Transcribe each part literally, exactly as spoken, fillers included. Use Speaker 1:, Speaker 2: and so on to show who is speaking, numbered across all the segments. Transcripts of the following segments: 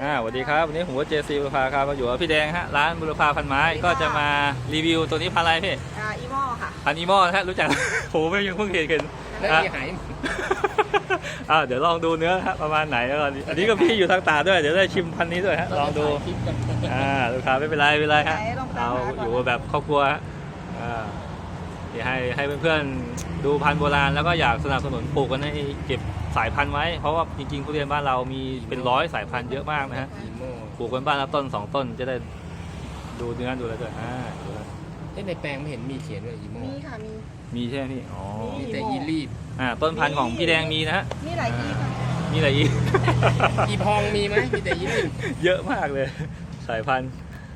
Speaker 1: อ่าสวัสดีครับวันนี้ผมว่าเจซีบุรพาครับมาอยู่กับพี่แดงฮะร้านบุรพาพันไม้ก็จะมารีวิวตัวนี้พันอะไรพี่
Speaker 2: อ่าอีโม่ค่ะ
Speaker 1: พันอีโม่นะฮะรู้จัก ผมไม่ยังเพิ่งเห็นกัน
Speaker 3: แล้วมีหาย
Speaker 1: อ่าเดี๋ยวลองดูเนื้อฮะประมาณไหนแล้วก่อนอันนี้ก็พี่อยู่ทางตาด้วยเดี๋ยวได้ชิมพันนี้ด้วยฮะลองดูอ่าลูกค้าไม่เป็นไรไม่เป็นไรฮะเราอยู่แบบครอบครัวอ่าให้ให้เพื่อนๆดูพันธุ์โบราณแล้วก็อยากสนับสนุนปลูกกันให้เก็บสายพันธุ์ไว้เพราะว่าจริงๆทุเรียนบ้านเรามีเป็นร้อยสายพันธุ์เยอะมากนะฮะปลูกกันบ้านละต้นสองต้นจะได้ดูเนื้อดูอะไรด้วยอ่าดูแล้ว
Speaker 3: ในแปลงไม่เห็นมีเขียนเลยอีโม
Speaker 2: มีค่ะมี
Speaker 1: มีใช่ไหมพี่อ๋อ
Speaker 3: มีแต่อีรีบ
Speaker 1: อ่าต้นพันธุ์ของพี่แดงมีนะฮะ
Speaker 2: มีหลายอีค่ะ
Speaker 1: มีอะไรอีก
Speaker 3: อีพองมีไหมมีแต่อีรีบ
Speaker 1: เยอะมากเลยสายพันธุ์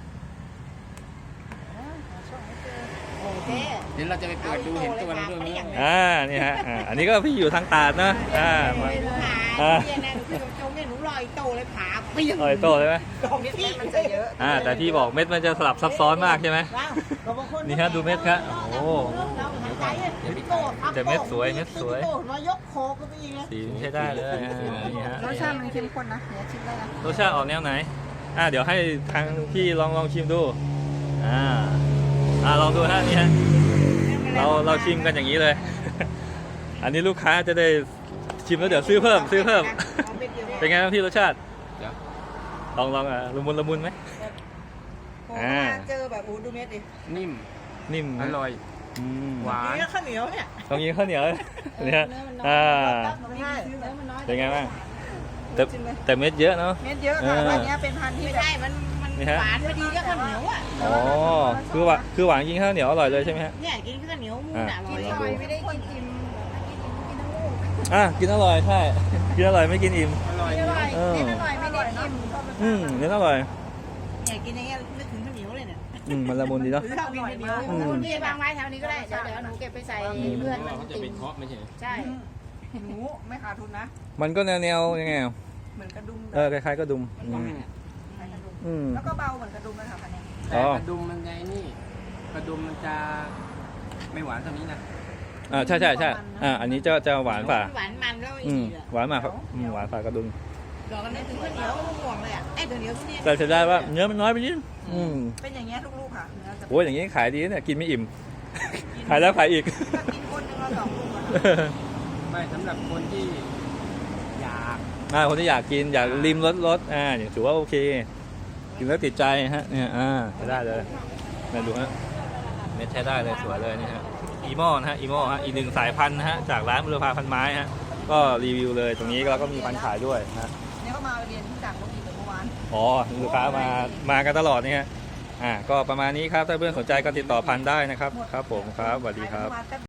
Speaker 2: โอ้เจ๊
Speaker 3: เดี๋ยวเราจะไปเปิดดูเห็นตัวเราด้วยไหม
Speaker 1: อ่านี่ฮะอ่าอันนี้ก็พี่อยู่ทางตาดนะอ่ามา
Speaker 2: อ่าเนี่ยนะหนูคือจงเนี่ยหนูลอยโตเลยผาเปี้ยง
Speaker 1: ลอยโตเลยไหม
Speaker 2: ดอกนี้มันจะเยอะ
Speaker 1: อ่าแต่พี่บอกเม็ดมันจะสลับซับซ้อนมากใช่ไหม
Speaker 2: ว้าวบางคน
Speaker 1: นี่ฮะดูเม็ดครับโอ้
Speaker 2: เราหายใจเนี่ยโตครับ
Speaker 1: แต่เม็ดสวยเม็ดสวย
Speaker 2: โตมายกโคก็ไปอีกนะ
Speaker 1: สีใช้ได้เลยอ่านี่ฮะ
Speaker 2: รสชาติมันเข้มข้นนะเดี๋ยวชิมได้นะ
Speaker 1: รสชาติออกแนวไหนอ่าเดี๋ยวให้ทางพี่ลองลองชิมดูอ่าอ่าลองดูฮะนี่ฮะเราเราชิมกันอย่างนี้เลย อันนี้ลูกค้าจะได้ชิมแล้วเดี๋ยวซื้อเพิ่มซื้อเพิ่ม เป็นไงบ้างพี่รสชาติ
Speaker 3: เดี๋ยว
Speaker 1: ลองลองอ่ะละมุนละมุนไหม
Speaker 2: โอ้เจอแบบโอ้ดูเม็ดดิ
Speaker 3: นิ่ม
Speaker 1: นิ่ม
Speaker 3: อร่อย
Speaker 1: อืม
Speaker 3: หวาน
Speaker 2: นี่ข้าวเหนียวเนี่ย
Speaker 1: ลองยิงข้าวเหนียวเนี่ยอ่า
Speaker 2: ใช่
Speaker 1: เป็นไงบ้างแต่แต่เม็ดเยอะเนาะ
Speaker 2: เม็ดเยอะค่ะพันนี้เป็นพันที่ไม่ใช่มันมัน
Speaker 1: นี่ฮะ
Speaker 2: หวานพอดีก็ข้าวเหนียวอ่ะ
Speaker 1: อ๋อคือว่าคือหวานยิงข้าวเหนียวอร่อยเลยใช่ไหมฮะ
Speaker 2: เนี่ยกินข้าวเหนียวมูนอร่อย
Speaker 1: อ่ะ
Speaker 2: ไม่ได้กินอิ่มกินอิ่มกินทั้งลูก
Speaker 1: อ่ะกินอร่อยใช่กินอร่อยไม่กินอิ่ม
Speaker 3: อร่อย
Speaker 2: อร่อย
Speaker 1: เออ
Speaker 2: เน้นอร่อยไม่ได้อิ่ม
Speaker 1: อืมเนื้ออร่อย
Speaker 2: เนี่ยกินอย่างเงี้ยนึกถึงข้าวเหนียวเลยเนี่ย
Speaker 1: อืมมันละมุนดีเนาะ
Speaker 2: หรือข้าวกินข้าวเหนียว
Speaker 1: อืม
Speaker 2: นี่วางไว้แถวนี้ก็ได้เดี๋ยวเดี๋ยวหนูเก็บไปใส่เพื่อนมัน
Speaker 3: เขาจะ
Speaker 2: ติ่
Speaker 3: ไป
Speaker 2: ม
Speaker 3: เคาะไม่ใช่
Speaker 2: ใช่หนูไม่ขาดทุนนะ
Speaker 1: มันก็แนวแนวยังไงอ่ะ
Speaker 2: เหมือนกระดุม
Speaker 1: เออคล้ายๆกระดุมอืมอืม
Speaker 2: แล้วก็เบาเหมือนกระดุมเลยค่ะพันนี้
Speaker 3: แต่กระดุมมันไงนี่กระดุมมันจะไม่หวานเท่านี้นะ
Speaker 1: อ่าใช่ใช่ใช่อ่าอันนี้จะจะหวานฝ่า
Speaker 2: หวานมันแล้ว
Speaker 1: อื
Speaker 2: อี
Speaker 1: ม
Speaker 2: กอ่ะ
Speaker 1: หวานมากครับอืมหวานฝ่ากระดุม
Speaker 2: ดอกกันนึกถึงข้าวเหนียวห่วงเลยอ่ะไอ้ข้าวเหนียวทุเรียน
Speaker 1: แต่เสียดายว่าเนื้อมันน้อยไปนิดอืม
Speaker 2: เป็นอย่างเงี้ยทุกลูกค่ะเนื้อจะ
Speaker 1: โอ้ยอย่างนี้ขายดีเนี่ยกินไม่อิ่ม ขายแล้วขายอีก
Speaker 2: ก็กินคนหนึ่งเราสองลูกอ่ะ
Speaker 3: ไม่สำหรับคนที่อยาก
Speaker 1: อ่าคนที่อยากกินอยากริมรสรสอ่าอย่างถือว่าโอเคกินแล้วติดใจฮะเนี่ยอ่าใช้ได้เลยมาดูฮะเม็ดใช้ได้เลยสวยเลยนี่ฮะอีโม่นะฮะอีโม่ฮะอีกหนึ่งสายพันธุ์นะฮะจากร้านบุรพาพันไม้ฮะก็รีวิวเลยตรงนี้แล้วก็มีพันธุ์ขายด้วยนะ
Speaker 2: เนี่ยก็มาเรียนที่จากโรงเรียนเมื่อวาน
Speaker 1: อ๋อลูกค้ามามากันตลอดนี่ฮะอ่าก็ประมาณนี้ครับถ้าเพื่อนสนใจก็ติดต่อพันธุ์ได้นะครับครับผมครับสวัสดีครับ